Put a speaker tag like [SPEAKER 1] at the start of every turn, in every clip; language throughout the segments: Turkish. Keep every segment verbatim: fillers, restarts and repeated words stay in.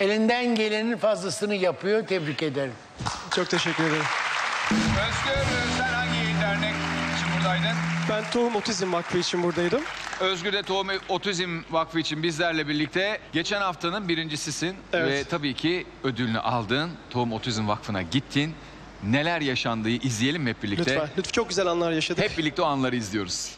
[SPEAKER 1] elinden gelenin fazlasını yapıyor. Tebrik ederim.
[SPEAKER 2] Çok teşekkür ederim.
[SPEAKER 3] Özgür, sen hangi dernek için buradaydın?
[SPEAKER 2] Ben Tohum Otizm Vakfı için buradaydım.
[SPEAKER 3] Özgür de Tohum Otizm Vakfı için bizlerle birlikte. Geçen haftanın birincisisin.
[SPEAKER 2] Evet.
[SPEAKER 3] Ve tabii ki ödülünü aldın. Tohum Otizm Vakfı'na gittin. Neler yaşandığı izleyelim mi hep birlikte?
[SPEAKER 2] Lütfen. Lütfen. Çok güzel anlar yaşadık.
[SPEAKER 3] Hep birlikte o anları izliyoruz.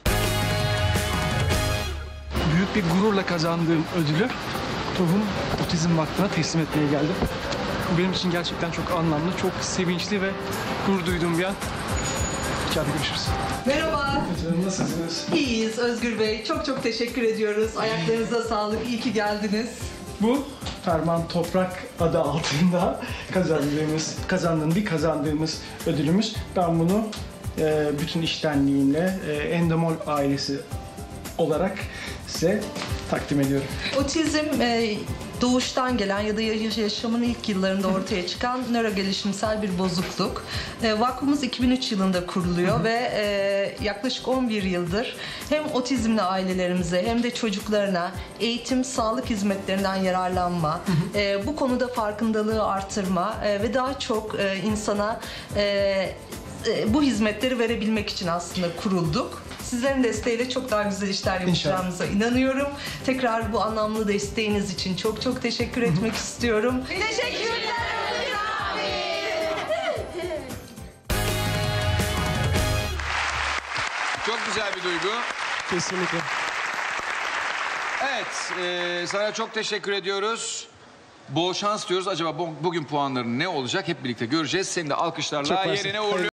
[SPEAKER 4] Büyük bir gururla kazandığım ödülü Tohum Otizm Vakfı'na teslim etmeye geldim. Bu benim için gerçekten çok anlamlı, çok sevinçli ve gurur duyduğum bir an. İçeride görüşürüz.
[SPEAKER 5] Merhaba.
[SPEAKER 4] Nasılsınız?
[SPEAKER 5] İyiyiz Özgür Bey. Çok çok teşekkür ediyoruz. Ayaklarınıza sağlık. İyi ki geldiniz.
[SPEAKER 4] Bu Ferman Toprak adı altında kazandığımız, kazandığım bir kazandığımız ödülümüz. Ben bunu e, bütün iştenliğimle e, Endemol ailesi olarak size takdim ediyorum.
[SPEAKER 5] Otizm e, doğuştan gelen ya da yaşamın ilk yıllarında ortaya çıkan nörogelişimsel bir bozukluk. E, vakfımız iki bin üç yılında kuruluyor ve e, yaklaşık on bir yıldır hem otizmli ailelerimize hem de çocuklarına eğitim, sağlık hizmetlerinden yararlanma, e, bu konuda farkındalığı artırma e, ve daha çok e, insana e, e, bu hizmetleri verebilmek için aslında kurulduk. Sizlerin desteğiyle çok daha güzel işler yapacağımıza inanıyorum. Tekrar bu anlamlı desteğiniz için çok çok teşekkür etmek istiyorum. Teşekkürler abi.
[SPEAKER 3] Çok güzel bir duygu.
[SPEAKER 2] Kesinlikle.
[SPEAKER 3] Evet, e, sana çok teşekkür ediyoruz. Bol şans diyoruz. Acaba bu, bugün puanların ne olacak hep birlikte göreceğiz. Seni de alkışlarla
[SPEAKER 2] Çok mersi.
[SPEAKER 3] yerine uğurluyoruz.